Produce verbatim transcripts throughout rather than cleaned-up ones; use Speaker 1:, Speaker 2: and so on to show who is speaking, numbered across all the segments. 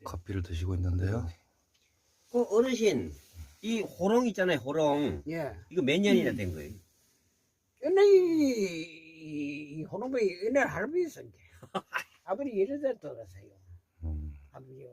Speaker 1: 커피를 드시고 있는데요.
Speaker 2: 그 어르신, 이 호롱 있잖아요, 호롱.
Speaker 3: 예.
Speaker 2: 이거 몇 년이나 된 거예요?
Speaker 3: 옛날에 이, 이 호놈이 옛날 할아버지 있었는데 아버지 여러 살 돌아가세요.
Speaker 1: 음,
Speaker 3: 아버지가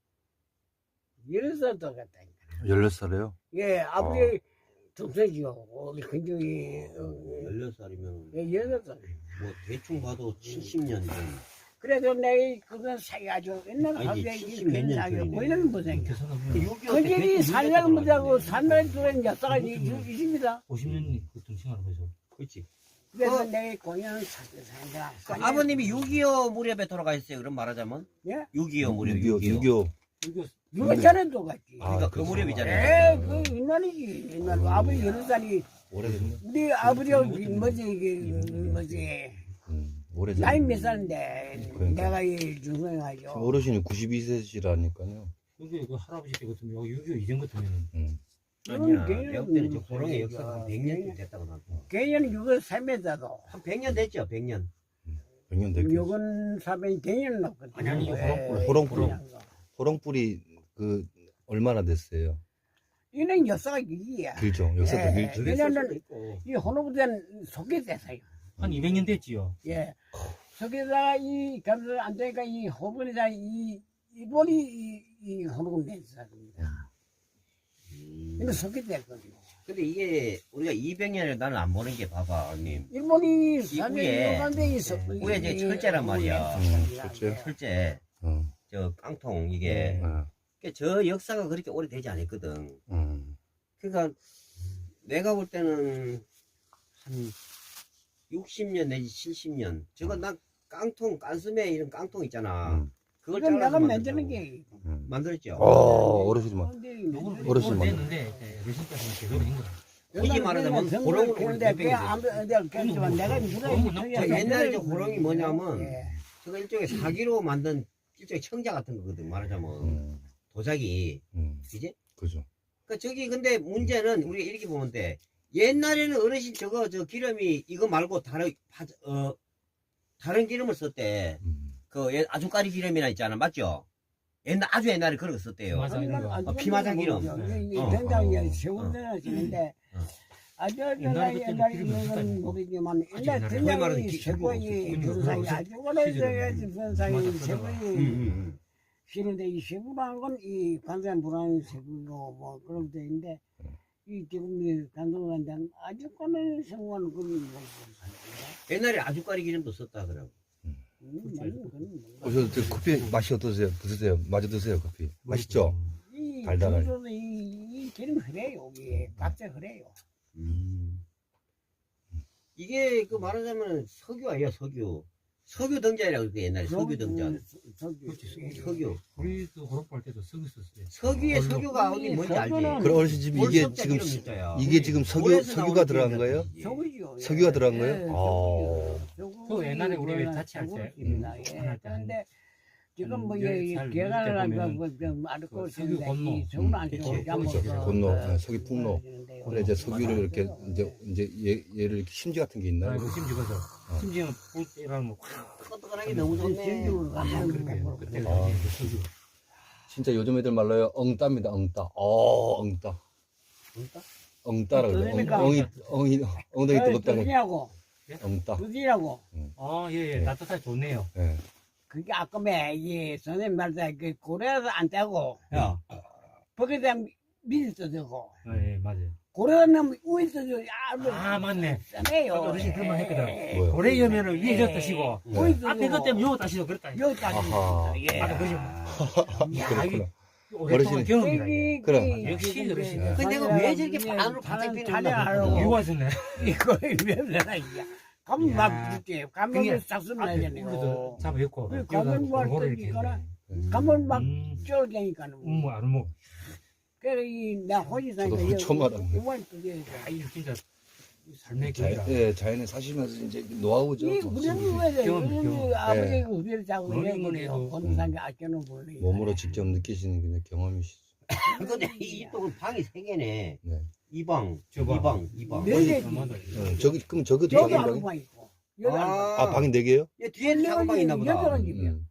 Speaker 3: 여러 살 돌아갔다니까.
Speaker 1: 열몇 살이에요?
Speaker 3: 예, 아버지 동생이요. 우리 근정이
Speaker 2: 열여섯 살이면,
Speaker 3: 예, 여러 살.
Speaker 2: 뭐, 대충 봐도 칠십 년 전.
Speaker 3: 그래도 내가 그거 사가지고 옛날
Speaker 2: 아니,
Speaker 3: 가게
Speaker 2: 칠십 몇 년
Speaker 3: 사가지고
Speaker 2: 전이네.
Speaker 3: 고이는 못 생겨.
Speaker 2: 육이오 때
Speaker 3: 그들이
Speaker 2: 대충
Speaker 3: 살려고 못하고
Speaker 2: 들어갔는데.
Speaker 3: 산날 들어온 역사가 있습니다.
Speaker 4: 오십 년이 그 등칭하는 거죠.
Speaker 2: 그렇지.
Speaker 3: 그래서
Speaker 2: 어.
Speaker 3: 내가 공연을 사는다.
Speaker 2: 그 아버님이 육이오 무렵에 돌아가셨어요, 그럼 말하자면?
Speaker 3: 예?
Speaker 2: 육이오 무렵,
Speaker 1: 육이오,
Speaker 2: 육이오.
Speaker 1: 육이오.
Speaker 4: 이거
Speaker 3: 누가 전에 돌아갔지.
Speaker 1: 아,
Speaker 2: 그러니까 그
Speaker 1: 그렇죠.
Speaker 2: 무렵이잖아요.
Speaker 3: 에, 그 옛날이지. 옛날 아버지 여러 살이
Speaker 1: 오래됐네.
Speaker 3: 우리 아버지가 뭐지 이게 뭐지
Speaker 1: 음, 오래됐네.
Speaker 3: 나이 몇 살인데
Speaker 1: 그러니까.
Speaker 3: 내가 이 중성해가지고
Speaker 1: 어르신이 구십이 세시라니까요.
Speaker 4: 여기 그 할아버지 때 같으면 여기 육이오 이전 같으면
Speaker 1: 음.
Speaker 2: 아니야,
Speaker 3: 개년
Speaker 2: 내가 볼때는 저
Speaker 3: 무슨
Speaker 2: 호롱의
Speaker 3: 얘기야.
Speaker 2: 역사가 한 백 년쯤 됐다고 나도.
Speaker 3: 개년 육월 삼일자도
Speaker 2: 한 백 년 됐죠, 백 년.
Speaker 1: 백 년 됐겠어.
Speaker 3: 육월 삼일 개년 넣거든.
Speaker 4: 아니, 아니, 이거 호롱불,
Speaker 1: 호롱불. 호롱불이 그 얼마나 됐어요?
Speaker 3: 이는 역사가 이기야.
Speaker 1: 길죠. 역사도
Speaker 3: 예.
Speaker 1: 길죠.
Speaker 3: 왜냐면
Speaker 2: 있고.
Speaker 3: 이 혼호부대는 소개됐어요.
Speaker 4: 한 이백 년 됐지요.
Speaker 3: 예. 소개다가 이 감사 안 되니까 이 호분이다 이 일본이 이, 이 혼호군 됐습니다. 근데 소개됐거든요.
Speaker 2: 근데 이게 우리가 이백 년을 나는 안 보는 게 봐봐, 언님.
Speaker 3: 일본이
Speaker 2: 이 위에,
Speaker 3: 삼년간데 있어.
Speaker 2: 위에 이제 철제란 말이야.
Speaker 1: 음, 철제.
Speaker 2: 철제,
Speaker 1: 어,
Speaker 2: 저 깡통 이게.
Speaker 1: 어,
Speaker 2: 그러니까 저 역사가 그렇게 오래되지 않았거든.
Speaker 1: 음,
Speaker 2: 그러니까 내가 볼 때는 한 육십 년 내지 칠십 년. 저거 나 깡통, 깐스매 이런 깡통 있잖아.
Speaker 1: 음.
Speaker 2: 그걸
Speaker 3: 그건 내가
Speaker 2: 잘라서
Speaker 3: 만드는
Speaker 2: 만들더라고.
Speaker 3: 게.
Speaker 1: 음.
Speaker 2: 만들었죠.
Speaker 1: 어, 어르신만.
Speaker 4: 요거는
Speaker 1: 어르신
Speaker 4: 요거는
Speaker 1: 맞네.
Speaker 4: 됐는데 예, 어르신께서는 제대로 된 거예요.
Speaker 2: 굳이 말하자면 호롱을 오늘
Speaker 3: 근데
Speaker 2: 몇
Speaker 3: 그 아무 내가 그랬지만 내가
Speaker 4: 호롱은
Speaker 2: 저 옛날에 저 호롱이 뭐냐면
Speaker 3: 예.
Speaker 2: 저거 일종의 사기로 만든 일종의 청자 같은 거거든, 말하자면.
Speaker 1: 음,
Speaker 2: 도자기.
Speaker 1: 음,
Speaker 2: 그지?
Speaker 1: 그죠.
Speaker 2: 그 저기 근데 문제는 우리가 이렇게 보면 돼. 옛날에는 어르신 저거 저 기름이 이거 말고 다른 파- 어 다른 기름을 썼대.
Speaker 1: 음,
Speaker 2: 그 옛- 아주까리 기름이나 있잖아, 맞죠? 옛날 아주 옛날에 그런 거 썼대요.
Speaker 4: 맞아.
Speaker 2: 어, 피마장 기름.
Speaker 3: 이
Speaker 2: 어,
Speaker 3: 된장이
Speaker 1: 어,
Speaker 3: 세운데는 지는데
Speaker 2: 어.
Speaker 3: 아주
Speaker 4: 옛날에
Speaker 3: 옛날에
Speaker 4: 그때는
Speaker 3: 옛날에
Speaker 4: 기름이
Speaker 3: 이건
Speaker 4: 없었다니까.
Speaker 3: 모르지만
Speaker 4: 아주
Speaker 3: 옛날
Speaker 4: 옛날에.
Speaker 2: 거의 말하는
Speaker 3: 된장이
Speaker 2: 기-
Speaker 3: 세고이
Speaker 4: 기름이
Speaker 3: 변상이
Speaker 4: 없었어.
Speaker 3: 아주 오래돼야지
Speaker 4: 시절에.
Speaker 3: 변상이
Speaker 4: 맞아,
Speaker 2: 음,
Speaker 3: 세고이
Speaker 2: 음,
Speaker 3: 싫은데 이 세부라는 건 이 관상 불안한 세부고 뭐 그런 데인데 이 지금 이 간동관장 아주 꺼내 생활 그런 거
Speaker 2: 옛날에 아주까리 기름도 썼다 그러고.
Speaker 3: 음, 맞는 건
Speaker 1: 어, 저, 저 커피 맛이 어떠세요? 드세요. 마저 드세요, 커피. 맛있죠?
Speaker 3: 이
Speaker 1: 달달하게.
Speaker 3: 달달하게 이, 이 기름 흐려요 이게 각자 흐려요.
Speaker 2: 음. 이게 그 말하자면 석유 아니야, 석유. 석유 등자라고 그래, 옛날에 석유 등자.
Speaker 3: 석유.
Speaker 4: 그렇지,
Speaker 2: 석유.
Speaker 4: 우리도 호롱할 때도 쓰고 있었어요.
Speaker 2: 석유에
Speaker 4: 얼로.
Speaker 2: 석유가 어디 뭔지 알지?
Speaker 3: 석유는
Speaker 1: 그럼 어르신 집에 이게
Speaker 2: 월석자
Speaker 1: 지금
Speaker 2: 기름 있어요.
Speaker 1: 이게 지금 석유
Speaker 2: 올해서
Speaker 1: 석유가
Speaker 2: 나오는
Speaker 1: 들어간 거예요?
Speaker 2: 기름이지.
Speaker 3: 석유죠.
Speaker 1: 석유가 들어간 거예요?
Speaker 3: 예,
Speaker 1: 아.
Speaker 3: 석유.
Speaker 4: 그 옛날에 우리 왜 자취할 때,
Speaker 3: 석유입니다.
Speaker 4: 음,
Speaker 3: 예.
Speaker 4: 할 때
Speaker 3: 그런데 지금
Speaker 4: 한
Speaker 3: 뭐
Speaker 4: 열
Speaker 3: 이
Speaker 4: 살
Speaker 3: 개간을
Speaker 4: 때
Speaker 3: 하고
Speaker 4: 보면은
Speaker 3: 좀 알고
Speaker 4: 그 석유
Speaker 3: 있는데
Speaker 4: 건노.
Speaker 3: 이 석유는 안
Speaker 1: 음,
Speaker 3: 좋고
Speaker 2: 그치.
Speaker 3: 잘못
Speaker 1: 그렇죠.
Speaker 3: 그,
Speaker 1: 건노,
Speaker 3: 그,
Speaker 1: 네, 석유 풍로.
Speaker 3: 그러는데요.
Speaker 1: 그래 이제 석유를 이렇게 이제 이제 얘, 얘를 이렇게 심지 같은 게 있나요?
Speaker 4: 그 심지어 그래서 심지어는 불 때라면 확
Speaker 2: 뜨끈뜨끈하게 너무 좋네.
Speaker 3: 진주로
Speaker 4: 아,
Speaker 3: 가는
Speaker 4: 그렇게
Speaker 3: 거
Speaker 4: 그때
Speaker 1: 아.
Speaker 4: 이제 석유.
Speaker 1: 진짜 요즘 애들 말로요 엉따입니다. 엉따. 어, 엉따.
Speaker 2: 그러니까?
Speaker 1: 엉따라 그래.
Speaker 3: 그러니까.
Speaker 1: 엉, 엉이 엉이 엉덩이 뜨겁다고.
Speaker 3: 어디냐고
Speaker 1: 엉따.
Speaker 3: 어디냐고
Speaker 4: 아, 예, 예.
Speaker 1: 네.
Speaker 4: 따뜻하게 좋네요.
Speaker 1: 예.
Speaker 3: 그게 아까매 이 선생님 말대 그 고래도 안 떼고
Speaker 2: 야,
Speaker 3: 거기에 대한 미리 써주고
Speaker 4: 아, 예, 맞아요.
Speaker 3: 고래는 위에 써주고 야 뭐,
Speaker 4: 아, 맞네.
Speaker 3: 싸네요.
Speaker 4: 어르신 그런 말 했거든.
Speaker 1: 뭐요?
Speaker 4: 고래 여면은 위에 저 따시고
Speaker 1: 네.
Speaker 4: 앞에 것 때문에 요 따시고 그랬다.
Speaker 3: 여기까지
Speaker 1: 아하.
Speaker 3: 예.
Speaker 4: 아, 그러죠. 야,
Speaker 1: 그렇구나.
Speaker 4: 이게 오랫동안
Speaker 1: 어르신이-
Speaker 4: 경험이라. 이게.
Speaker 1: 그럼.
Speaker 4: 역시 어르신.
Speaker 2: 근데 내가 왜 저렇게 반으로 반짝 피는 건가
Speaker 3: 하려고
Speaker 4: 이유가 있었네.
Speaker 3: 이거 왜 그러나 이게 가면
Speaker 4: 야.
Speaker 3: 막 줄게 가면
Speaker 4: 그게
Speaker 3: 싹 쓰면
Speaker 4: 앞에
Speaker 3: 되잖아요.
Speaker 4: 우리도 잡아있고.
Speaker 3: 그 가면 뭐
Speaker 4: 골고루
Speaker 3: 할때
Speaker 4: 이렇게
Speaker 3: 이거나
Speaker 4: 했네.
Speaker 3: 가면 막
Speaker 4: 음.
Speaker 3: 쫄게니까
Speaker 4: 음, 뭐, 안 뭐.
Speaker 3: 그래 이나 호지사니까
Speaker 1: 저도 처음 알았네.
Speaker 3: 오만 그게
Speaker 4: 아, 이거 진짜 삶의
Speaker 1: 자,
Speaker 4: 길이라.
Speaker 1: 예, 자연에 사시면서 이제 노하우죠.
Speaker 3: 이
Speaker 1: 뭐.
Speaker 3: 우리는 왜
Speaker 4: 경험,
Speaker 3: 우리
Speaker 4: 경험.
Speaker 3: 아버지가 우리를 자고
Speaker 4: 뭐니
Speaker 3: 이래
Speaker 4: 뭐니
Speaker 3: 그래요.
Speaker 4: 해도,
Speaker 3: 본산에 아껴놓은 분이
Speaker 1: 몸으로 직접 느끼시는 그냥 경험이시죠.
Speaker 2: 근데 이 이쪽은 방이 세 개네.
Speaker 1: 네.
Speaker 2: 이 방,
Speaker 4: 저
Speaker 2: 이
Speaker 4: 방.
Speaker 2: 방, 이 방.
Speaker 3: 네
Speaker 4: 어디
Speaker 3: 개지.
Speaker 4: 가마다
Speaker 1: 어, 저기 그럼 저것도
Speaker 3: 여기
Speaker 1: 작은
Speaker 3: 한
Speaker 1: 방이?
Speaker 3: 방 있고 여기 한 방.
Speaker 1: 아, 방이 네 개요?
Speaker 2: 얘 뒤에는 작은 방이 있나 보다.
Speaker 3: 여덟 집이야.
Speaker 1: 음.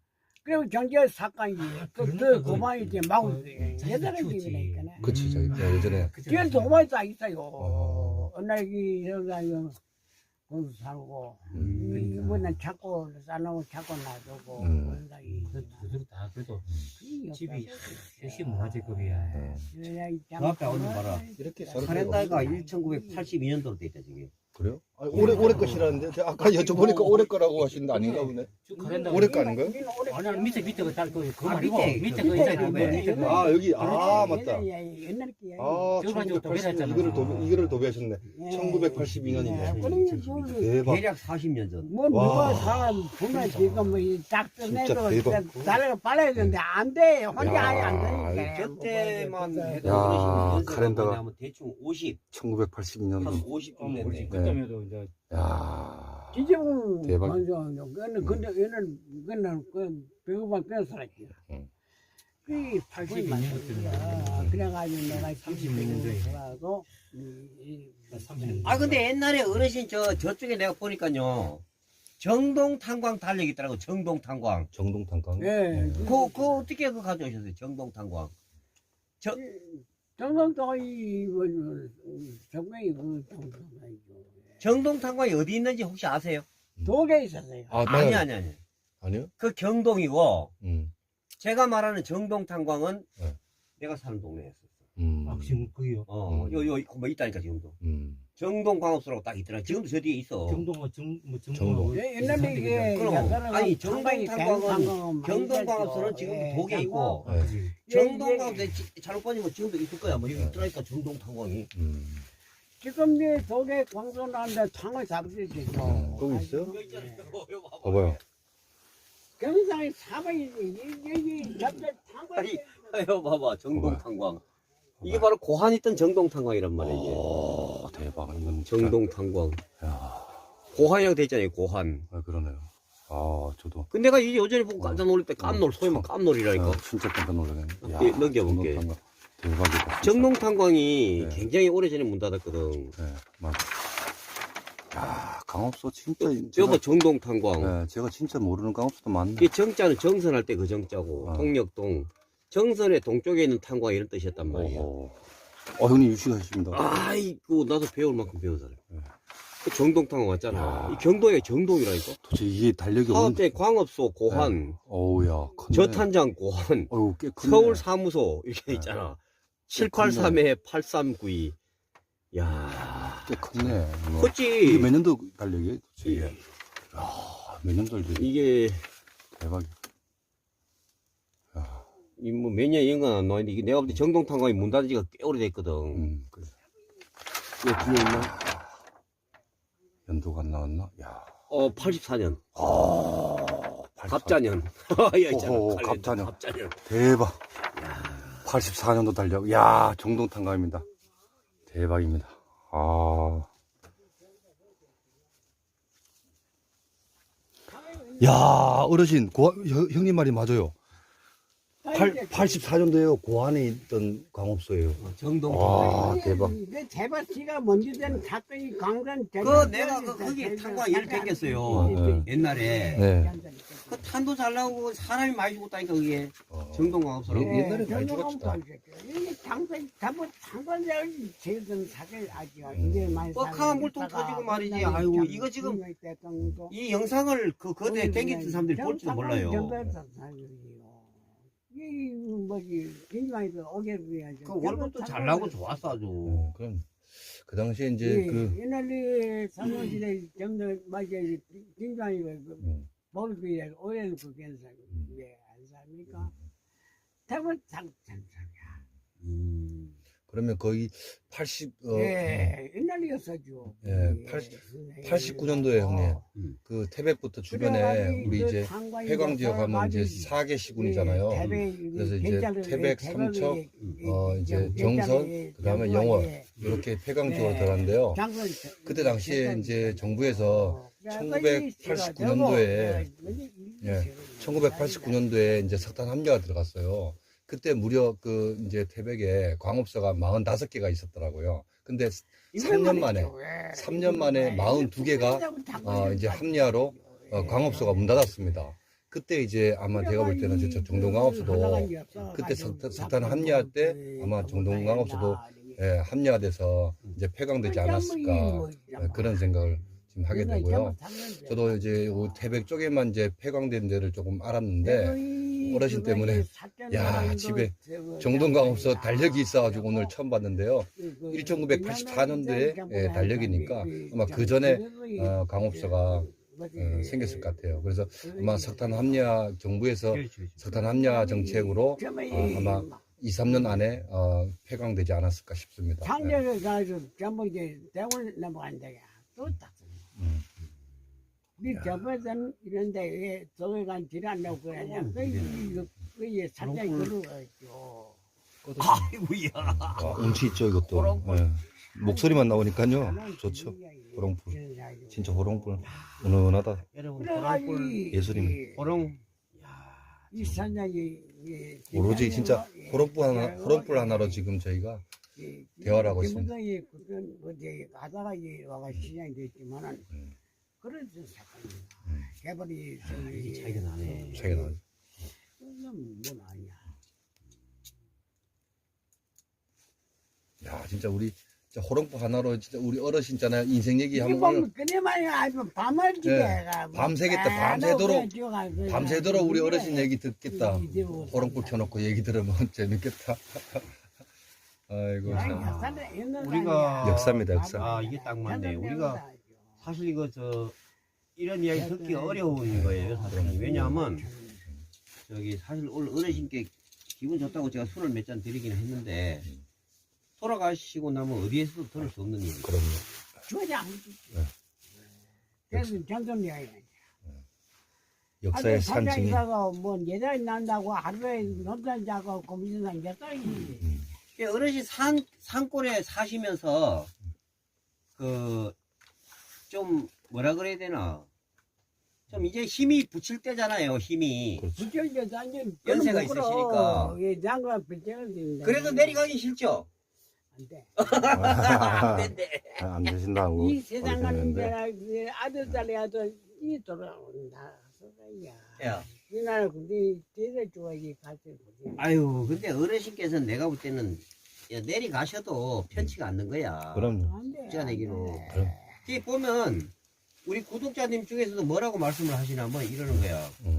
Speaker 3: 그리고 경제 사건이 그,
Speaker 4: 그러니까
Speaker 3: 그
Speaker 4: 그-
Speaker 3: 고만이 이제 마구
Speaker 4: 그-
Speaker 3: 여자를
Speaker 4: 키웠지.
Speaker 3: 집이니까.
Speaker 1: 그치, 저기, 야, 예전에.
Speaker 3: 뒤에 고만이 다 있어요.
Speaker 1: 어.
Speaker 3: 어느 날 이 여자가 돈 살고
Speaker 1: 음.
Speaker 3: 이번엔 자꾸 싸놓고 자꾸 놔두고
Speaker 1: 음.
Speaker 3: 그런 날이
Speaker 4: 그, 그들 다 그래도
Speaker 3: 그게
Speaker 4: 집이
Speaker 3: 없다고.
Speaker 4: 역시 문화재급이야.
Speaker 1: 어.
Speaker 3: 그래야 이
Speaker 2: 그 앞에
Speaker 3: 장사는
Speaker 2: 오늘 봐라.
Speaker 1: 이렇게 서로
Speaker 2: 카렌다가
Speaker 1: 없어요.
Speaker 2: 천구백팔십이 년도로 돼 있다 지금.
Speaker 1: 그래요? 아니, 올해, 올해 것이라는데? 제가 아까 여쭤보니까 올해 거라고 하시는데 아닌가 보네.
Speaker 4: 쭉 가랜다.
Speaker 1: 올해 거 아닌가요?
Speaker 4: 아니 아니 밑에 밑에 그딱 그 그거
Speaker 2: 아,
Speaker 4: 말고
Speaker 2: 밑에,
Speaker 4: 밑에
Speaker 2: 그
Speaker 4: 그
Speaker 2: 밑에
Speaker 4: 있잖아.
Speaker 2: 그거야.
Speaker 4: 그 밑에 거.
Speaker 1: 아, 여기, 아,
Speaker 3: 그렇지.
Speaker 1: 맞다.
Speaker 3: 옛날, 옛날 끼야.
Speaker 1: 아,
Speaker 4: 저거 가지고 또
Speaker 1: 천구백팔십 년,
Speaker 4: 매달았잖아.
Speaker 1: 이거를 도배, 이거를 도배하셨네. 천구백팔십이 년이네. 대박.
Speaker 2: 대략 사십 년 전.
Speaker 3: 뭐
Speaker 1: 와.
Speaker 3: 누가 사람 보면 지금 뭐딱
Speaker 1: 진짜
Speaker 3: 떠내도
Speaker 1: 대박.
Speaker 3: 나를 빨아야 되는데 안 돼. 혼자
Speaker 1: 야,
Speaker 3: 아예 안 되니까.
Speaker 2: 저때만 해도
Speaker 1: 야,
Speaker 2: 어르신
Speaker 1: 카렌다가.
Speaker 2: 연세가 하면 대충 오십,
Speaker 1: 천구백팔십이 년도.
Speaker 2: 한 오십
Speaker 4: 어,
Speaker 2: 좀
Speaker 4: 뭐
Speaker 2: 됐네.
Speaker 4: 그렇지. 그때면도 이제
Speaker 1: 야
Speaker 3: 지금은
Speaker 1: 대박.
Speaker 3: 완전 그는 근데 얘는 그는 그 배우만 뺏어라지.
Speaker 1: 응.
Speaker 3: 그
Speaker 4: 팔십이
Speaker 3: 팔십이
Speaker 4: 년도쯤이면
Speaker 3: 그래가지고 내가
Speaker 4: 삼십육 년도에.
Speaker 3: 돌아서
Speaker 4: 삼십 년.
Speaker 2: 아 근데 옛날에 어르신 저 저쪽에 내가 보니까요 정동 탄광 달력 있더라고. 정동 탄광.
Speaker 1: 정동 탄광.
Speaker 3: 예.
Speaker 2: 그, 그 어떻게 그 가져오셨어요? 정동 탄광.
Speaker 3: 정성도이 뭐 정명이 그 정성이죠.
Speaker 2: 정동 탄광이 어디 있는지 혹시 아세요?
Speaker 3: 도에 있었어요.
Speaker 1: 아,
Speaker 2: 아니
Speaker 1: 맞아요.
Speaker 2: 아니 아니.
Speaker 1: 아니요?
Speaker 2: 그 경동이고
Speaker 1: 음.
Speaker 2: 제가 말하는 정동 탄광은
Speaker 1: 네.
Speaker 2: 내가 사는 동네였어.
Speaker 1: 음.
Speaker 4: 아 지금 그게요.
Speaker 2: 어,
Speaker 1: 음.
Speaker 2: 요, 요, 뭐 있다니까, 지금도.
Speaker 1: 음.
Speaker 2: 정동 광업소라고 딱 있더라. 지금도 저 뒤에 있어.
Speaker 4: 정동은 정뭐
Speaker 1: 정동.
Speaker 4: 정동.
Speaker 3: 예, 옛날에 이게
Speaker 2: 그럼.
Speaker 3: 약간은
Speaker 2: 아니, 정동
Speaker 3: 상당히
Speaker 2: 탄광은
Speaker 3: 대상은
Speaker 2: 경동
Speaker 3: 많이
Speaker 2: 광업소는
Speaker 3: 됐죠.
Speaker 2: 지금도
Speaker 3: 예,
Speaker 2: 독에 있고,
Speaker 1: 네.
Speaker 4: 그지.
Speaker 2: 정동
Speaker 3: 예,
Speaker 2: 광업소에 지- 잘못 빠지면 지금도 있을 거야. 뭐, 여기
Speaker 1: 네.
Speaker 2: 있더라니까, 정동 탄광이.
Speaker 1: 음.
Speaker 3: 지금 이제 독에 광선하는데 창을 잡으시죠.
Speaker 1: 음, 거기 있어요?
Speaker 3: 예.
Speaker 1: 봐봐요.
Speaker 3: 경상에 사방이 여기 잡자 창을
Speaker 2: 아니, 아유, 봐봐. 정동
Speaker 1: 봐봐요.
Speaker 2: 탄광. 이게 바로 고한 있던 정동 탄광이란 말이야, 이게.
Speaker 1: 오, 대박. 이건 진짜-
Speaker 2: 정동 탄광.
Speaker 1: 야,
Speaker 2: 고한이라고 돼 있잖아요, 고한.
Speaker 1: 아, 그러네요. 아, 저도.
Speaker 2: 근데 내가 이 요전에 보고 깜짝 놀랄 때 깜놀, 소위 말 깜놀이라니까.
Speaker 1: 아, 진짜 깜짝 놀라네. 야,
Speaker 2: 예, 넘겨볼게.
Speaker 1: 정동 탄광. 대박이다. 진짜.
Speaker 2: 정동 탄광이
Speaker 1: 네.
Speaker 2: 굉장히 오래전에 문 닫았거든.
Speaker 1: 네, 맞아. 야, 강업소 진짜.
Speaker 2: 여보, 정동 탄광.
Speaker 1: 네, 제가 진짜 모르는 강업소도 많네.
Speaker 2: 이 정자는 정선할 때 그 정자고,
Speaker 1: 아.
Speaker 2: 동력동. 정선의 동쪽에 있는 탄광 이런 뜻이었단 말이야.
Speaker 1: 어, 어, 형님 유식하십니다.
Speaker 2: 아이고, 나도 배울 만큼 배우잖아.
Speaker 1: 네.
Speaker 2: 그 정동 탄광 왔잖아.
Speaker 1: 야.
Speaker 2: 이 경동에 정동이라니까.
Speaker 1: 도대체 이게 달력이
Speaker 2: 사업대 광업소 고한,
Speaker 1: 어우야, 컸네.
Speaker 2: 저탄장 고한,
Speaker 1: 어우, 꽤 크네.
Speaker 2: 서울 사무소 이렇게
Speaker 1: 네.
Speaker 2: 있잖아. 칠팔삼 팔삼구이. 야,
Speaker 1: 꽤 컸네. 이거.
Speaker 2: 컸지.
Speaker 1: 이게 몇 년도 달력이에요? 도대체 이게?
Speaker 2: 예.
Speaker 1: 야, 몇 년도 달력이
Speaker 2: 이게
Speaker 1: 대박이야. 야,
Speaker 2: 이 뭐 몇 년 이런 건 안 나왔는데 이게 내가 볼 때 정동 탄광이 문 닫은 지가 꽤 오래됐거든.
Speaker 1: 음, 그래.
Speaker 2: 이거 뒤에 있나?
Speaker 1: 연도가 안 나왔나? 야,
Speaker 2: 어, 팔십사 년.
Speaker 1: 아,
Speaker 2: 갑자년. 야, 있잖아.
Speaker 1: 오호,
Speaker 2: 칼렌더.
Speaker 1: 갑자년.
Speaker 2: 갑자년.
Speaker 1: 대박. 팔십사 년도 달력. 야, 정동탄광입니다. 대박입니다. 아. 야, 어르신, 고, 형, 형님 말이 맞아요. 팔, 팔십사 년도에요. 고안에 있던 광업소예요.
Speaker 2: 정동
Speaker 1: 와,
Speaker 2: 탄광이.
Speaker 1: 대박.
Speaker 3: 그 제바씨가 먼저 된 사건이 강산
Speaker 2: 그 내가 그 거기 탄광 이렇게 생겼어요.
Speaker 1: 네.
Speaker 2: 옛날에.
Speaker 1: 네.
Speaker 2: 그 탄도 잘 나오고 사람이 많이 죽었다니까 그게.
Speaker 1: 어.
Speaker 2: 정동 광업소라고.
Speaker 1: 예. 옛날에 많이 죽었다.
Speaker 3: 이게 장관, 장관, 장관장을 제일 사실 아직 이게 많이
Speaker 2: 뻑하면 물통 터지고 말이지. 아이고, 이거 지금 이 영상을 그 거대에 땡기던 사람들이 볼지도 몰라요.
Speaker 3: 이 뭐지 인간이도 오게 해야지.
Speaker 2: 그 월급도 잘 나고 좋았어 아주.
Speaker 1: 어, 그럼, 그 당시에 이제
Speaker 3: 예,
Speaker 1: 그,
Speaker 3: 옛날에 사무실에 정말 맞아 인간이고
Speaker 1: 음,
Speaker 3: 월급이 오해는 그 괜찮 왜안 삽니까? 대부분 장장장이야.
Speaker 2: 음.
Speaker 1: 그러면 거의 팔십, 어,
Speaker 3: 예, 옛날이었어죠.
Speaker 1: 예, 팔십구 년도에 형님.
Speaker 2: 음.
Speaker 1: 그 태백부터 주변에 우리 이제 회광 지역 하면 이제 사 개 시군이잖아요. 그래서 이제 태백, 삼척, 어, 이제 정선, 그 다음에 영월, 이렇게 폐광 지역으로 들어갔는데요. 그때 당시에 이제 정부에서 천구백팔십구 년도에, 예, 천구백팔십구 년도에 이제 석탄 함유가 들어갔어요. 그때 무려 그 이제 태백에 광업소가 사십오 개가 있었더라고요. 근데 삼 년 만에, 삼 년 만에 사십이 개가 어, 이제 합리화로 어, 광업소가 문 닫았습니다. 그때 이제 아마 제가 볼 때는 저 정동강업소도 그때 석, 석탄 합리화 때 아마 정동강업소도 예, 합리화돼서 이제 폐광되지 않았을까 예, 그런 생각을 지금 하게 되고요. 저도 이제 요 태백 쪽에만 이제 폐광된 데를 조금 알았는데 어르신 때문에 야 집에 정동강업소 달력이 있어가지고 오늘 처음 봤는데요. 천구백팔십사 년도에 예, 달력이니까 아마 그 전에 어, 강업소가 어, 생겼을 것 같아요. 그래서 아마 석탄 합리화 정부에서
Speaker 4: 그렇죠, 그렇죠.
Speaker 1: 석탄 합리화 정책으로 어, 아마 이, 삼 년 안에 어, 폐광되지 않았을까 싶습니다. 네.
Speaker 3: 상대를 가지고 전부 이제 대원을 넘어간다. 또 딱.
Speaker 1: 음.
Speaker 3: 우리 저번에는 이런데 왜 저기 간 지랄하고 그러냐. 그, 그, 그, 살짝 그러겠죠.
Speaker 2: 아이고야.
Speaker 1: 아, 운치 있죠 이것도. 예. 목소리만 나오니까요 좋죠. 호롱불 진짜 호롱불 은은하다.
Speaker 2: 여러분
Speaker 3: 그래가지고
Speaker 2: 호롱불
Speaker 3: 이-
Speaker 1: 예술이네.
Speaker 3: 이-
Speaker 2: 호롱
Speaker 3: 이 산장이 이-
Speaker 1: 오로지 진짜
Speaker 3: 이-
Speaker 1: 호롱불 하나
Speaker 3: 이-
Speaker 1: 호롱불 하나로 지금 저희가
Speaker 3: 이-
Speaker 1: 대화를 하고 있습니다.
Speaker 3: 김무성이 그런 어제 가다가 이 와가 시장이 됐지만은
Speaker 1: 음.
Speaker 3: 그런 사건입니다.
Speaker 1: 음.
Speaker 3: 개발이
Speaker 2: 이게 차이가 나네.
Speaker 1: 차이가 나요.
Speaker 3: 그건 뭐 아니야.
Speaker 1: 야 진짜 우리 진짜 호롱불 하나로 진짜 우리 어르신 있잖아요 인생 얘기
Speaker 3: 이게
Speaker 1: 한번
Speaker 3: 뭐
Speaker 1: 오늘
Speaker 3: 그네만이 아주 밤을
Speaker 1: 예,
Speaker 3: 지내가
Speaker 1: 밤새겠다, 밤새도록, 밤새도록 우리 어르신 얘기 듣겠다. 호롱불 켜놓고 얘기 들으면 재밌겠다. 아이고 참.
Speaker 2: 우리가
Speaker 1: 역사입니다, 역사.
Speaker 2: 아 이게 딱 맞네. 우리가 사실 이거 저 이런 이야기 듣기 어려운 거예요 사실은. 왜냐하면 저기 사실 오늘 어르신께 기분 좋다고 제가 술을 몇 잔 드리기는 했는데 돌아가시고 나면 어디에서도 들을 수 없는 일.
Speaker 1: 그럼요.
Speaker 3: 주어지 않지.
Speaker 1: 네.
Speaker 3: 그래서 전전 이야기.
Speaker 1: 역사의 산증이
Speaker 3: 산장이다가 뭐 예전에 난다고 하루에 논산 자고 고민산 예살이.
Speaker 2: 예, 어르신 산 산골에 사시면서 그 좀 뭐라 그래야 되나 좀 이제 힘이 붙일 때잖아요. 힘이.
Speaker 1: 그렇죠.
Speaker 3: 부처님께 완전
Speaker 2: 연세가 있으시니까.
Speaker 3: 이 장관 부처가 된다.
Speaker 2: 그래도 내려가기 싫죠.
Speaker 3: 안 돼.
Speaker 2: 안 된대.
Speaker 1: 안 되신다고
Speaker 3: 이 세상 가는
Speaker 1: 그러시는데.
Speaker 3: 데라 아들 딸이 아들 이 돌아온다. 소리야.
Speaker 2: 야.
Speaker 3: 이 나라 근데 대대 좋아하기 같이 보지.
Speaker 2: 아유, 근데 어르신께서는 내가 볼 때는 야, 내려가셔도 편치가 않는 거야.
Speaker 1: 그럼요.
Speaker 3: 안 돼.
Speaker 2: 진짜 내기로.
Speaker 1: 그럼.
Speaker 2: 이게 보면 우리 구독자님 중에서도 뭐라고 말씀을 하시냐면 이러는 거야.
Speaker 1: 응.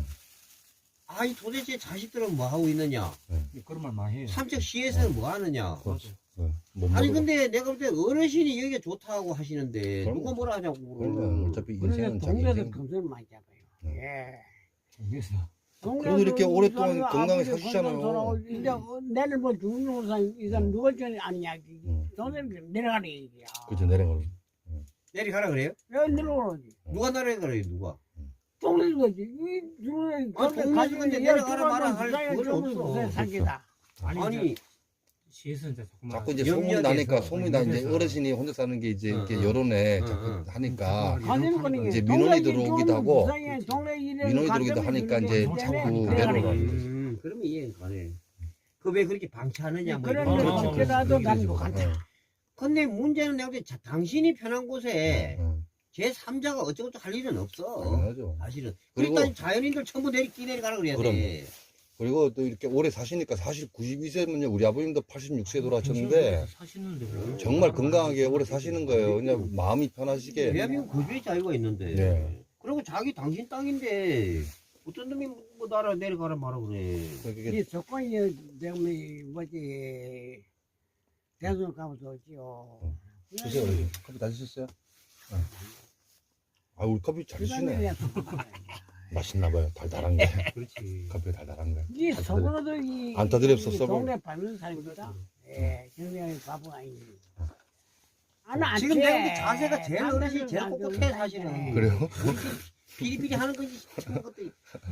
Speaker 2: 아이 도대체 자식들은 뭐 하고 있느냐?
Speaker 4: 그런 말 많이 해요.
Speaker 2: 삼척 시에서는 뭐 하느냐?
Speaker 1: 그렇죠. 네. 못
Speaker 2: 아니
Speaker 1: 먹어도.
Speaker 2: 근데 내가 볼 때 어르신이 여기가 좋다고 하시는데
Speaker 1: 그럼요.
Speaker 2: 누가 뭐라 하냐고.
Speaker 1: 그럼요. 어차피
Speaker 3: 그래서
Speaker 1: 인생은 자기
Speaker 3: 동네도
Speaker 1: 인생.
Speaker 3: 금술 많이 잡아요.
Speaker 1: 응.
Speaker 3: 예.
Speaker 4: 그래서
Speaker 1: 그래도 이렇게 오랫동안 건강히 사시잖아요.
Speaker 3: 이제 내일 뭐 죽는 이상 이상 누가 전에 아니냐.
Speaker 1: 응.
Speaker 3: 동네를 내려가는 얘기야.
Speaker 1: 그렇죠 내려가.
Speaker 2: 내려가라 그래요?
Speaker 3: 왜 내려오지?
Speaker 2: 누가 내려가래요 누가?
Speaker 3: 동네는 거지. 이 동네
Speaker 2: 아, 동네 주민데 내려가라 말아 할 그건 없어.
Speaker 3: 사기다.
Speaker 4: 아니,
Speaker 2: 아니
Speaker 4: 이제 시에서 이제 자꾸만
Speaker 1: 자꾸 이제
Speaker 2: 염려돼서.
Speaker 1: 소문이 나니까 소문이 나 이제
Speaker 4: 염려돼서.
Speaker 1: 어르신이 혼자 사는 게 이제
Speaker 2: 응,
Speaker 1: 이렇게
Speaker 2: 응.
Speaker 1: 여론에
Speaker 2: 응,
Speaker 1: 자꾸
Speaker 2: 응.
Speaker 1: 하니까
Speaker 3: 가는 거는
Speaker 1: 이제 민원이 들어오기도 하고 민원이 들어오기도
Speaker 3: 네,
Speaker 1: 하니까 이제 자꾸 내려가는 거지.
Speaker 2: 음, 그러면 이해가 가네. 그 왜 그렇게 방치하느냐 뭐
Speaker 3: 그런
Speaker 2: 이런
Speaker 3: 데
Speaker 4: 어,
Speaker 2: 거.
Speaker 4: 어,
Speaker 3: 지켜라도
Speaker 4: 어,
Speaker 3: 난것
Speaker 4: 어,
Speaker 3: 같아.
Speaker 2: 근데 문제는 내가 볼 때 자- 당신이 편한 곳에
Speaker 1: 응.
Speaker 2: 제삼자가 어쩌고저쩌고 할 일은 없어.
Speaker 1: 당연하죠.
Speaker 2: 사실은.
Speaker 1: 그리고-
Speaker 2: 그러니까 자연인들 전부 내리 끼내려가라 그래야 돼.
Speaker 1: 그리고 또 이렇게 오래 사시니까 사실 구십이 세면요 우리 아버님도 팔십육 세 돌아가셨는데
Speaker 4: 사시는데 뭐.
Speaker 1: 정말 건강하게 오래 사시는 거예요. 그냥 마음이 편하시게.
Speaker 2: 대한민국 거주의 자유가 있는데.
Speaker 1: 네.
Speaker 2: 그리고 자기 당신 땅인데 어떤 놈이 뭐 나라 내려가라 말아 그래.
Speaker 1: 그게
Speaker 3: 이 조건이 때문에 뭐지 대선 가면서 오지요.
Speaker 1: 드세요. 어르신. 커피 다 드셨어요? 응. 아 우리 커피 잘 드시네. 맛있나 봐요. 달달한 게.
Speaker 4: 그렇지.
Speaker 1: 커피 달달한 게.
Speaker 3: 이 속으로도 이
Speaker 1: 안 떠들였어,
Speaker 3: 이
Speaker 1: 써봐.
Speaker 3: 동네 밟는 사람이다. 예, 경쟁이 바보 아니니. 아, 나
Speaker 2: 지금
Speaker 3: 안
Speaker 2: 내가
Speaker 3: 돼.
Speaker 2: 볼때 자세가 제일
Speaker 3: 남들은
Speaker 2: 어르신이 제일
Speaker 3: 안
Speaker 2: 꼿꼿해
Speaker 3: 좋은
Speaker 2: 사실은.
Speaker 3: 사람이야.
Speaker 1: 그래요?
Speaker 2: 피리피리 하는 거지. 그런 것도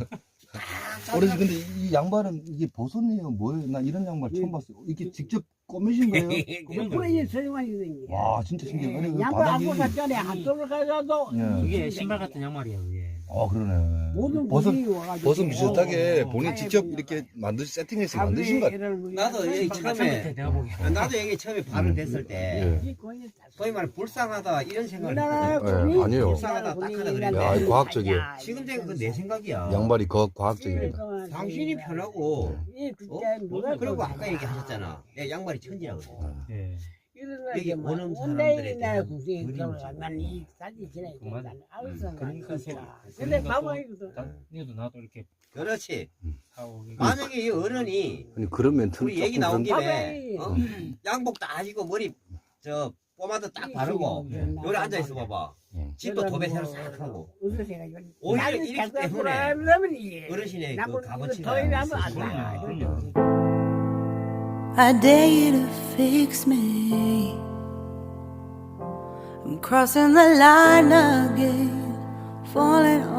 Speaker 1: 어르신 근데 이 양말은 이게 버섯이에요? 뭐예요? 나 이런 양말 처음 봤어요. 이게 직접 꼬매신 거예요?
Speaker 3: 옆으로 이 서용환이 생겨.
Speaker 1: 와 진짜 신기해. 아니 그
Speaker 3: 양말
Speaker 1: 바닥이
Speaker 3: 안고 갔잖아. 한 돌을 가져도.
Speaker 1: 예.
Speaker 4: 그게 신발 같은 양말이야 그게.
Speaker 1: 아 그러네.
Speaker 3: 모든
Speaker 1: 버섯
Speaker 3: 분이 와가지고
Speaker 1: 버섯 비슷하게
Speaker 4: 어, 어,
Speaker 1: 본인
Speaker 3: 어.
Speaker 1: 직접 이렇게 만드 세팅해서 만드신 것 같아요.
Speaker 2: 나도 여기 처음에
Speaker 4: 내가 보기.
Speaker 2: 나도 여기 처음에 발을 댔을 때
Speaker 1: 예.
Speaker 2: 소위 말해 불쌍하다 이런 생각을
Speaker 3: 우리나라
Speaker 2: 했거든.
Speaker 1: 네,
Speaker 3: 군인,
Speaker 1: 아니에요.
Speaker 2: 불쌍하다,
Speaker 3: 군인,
Speaker 2: 딱하다
Speaker 3: 군인이라는
Speaker 2: 그랬는데.
Speaker 1: 야, 과학적이에요.
Speaker 2: 지금 된 건 내 생각이야.
Speaker 1: 양말이 거 과학적입니다.
Speaker 2: 당신이 편하고
Speaker 3: 이
Speaker 2: 어?
Speaker 3: 진짜 누가
Speaker 2: 그리고
Speaker 3: 그러나.
Speaker 2: 아까 얘기하셨잖아. 내 양말이 천지라고 그래.
Speaker 4: 예.
Speaker 2: 여기
Speaker 3: 여기
Speaker 2: 오는
Speaker 3: 오는
Speaker 2: 사람들에
Speaker 3: 사람들에
Speaker 2: 대한
Speaker 3: 국생이
Speaker 2: 그림이지.
Speaker 3: 들어가면 이 사진 지나야
Speaker 4: 그만.
Speaker 3: 된다. 알았어.
Speaker 4: 그러니까
Speaker 3: 그러니까.
Speaker 4: 소-
Speaker 3: 근데
Speaker 4: 그러니까
Speaker 3: 봐봐
Speaker 4: 또-
Speaker 3: 이거도.
Speaker 4: 나, 니도 나도 이렇게
Speaker 2: 그렇지.
Speaker 4: 사오고.
Speaker 2: 만약에 이 어른이
Speaker 1: 아니 그런 멘트는
Speaker 2: 우리 얘기
Speaker 1: 조금
Speaker 2: 나온
Speaker 1: 그런-
Speaker 2: 김에
Speaker 3: 봐봐.
Speaker 2: 어? 양복 다 하시고 머리 저 포마드 딱 바르고
Speaker 3: 네.
Speaker 2: 요리 앉아 있어 봐봐.
Speaker 1: 응.
Speaker 2: 집도 도배 새로 싹 하고
Speaker 3: 웃으세요.
Speaker 2: 오히려
Speaker 3: 나는
Speaker 2: 이렇기
Speaker 3: 자꾸
Speaker 2: 때문에
Speaker 3: 그러면 이게
Speaker 2: 어르신의 그
Speaker 3: 나보고
Speaker 2: 값어치가
Speaker 3: 더 일하면 안
Speaker 2: 있으시구나.
Speaker 3: 나.
Speaker 4: 그럼요.
Speaker 5: I dare you to fix me. I'm crossing the line again, falling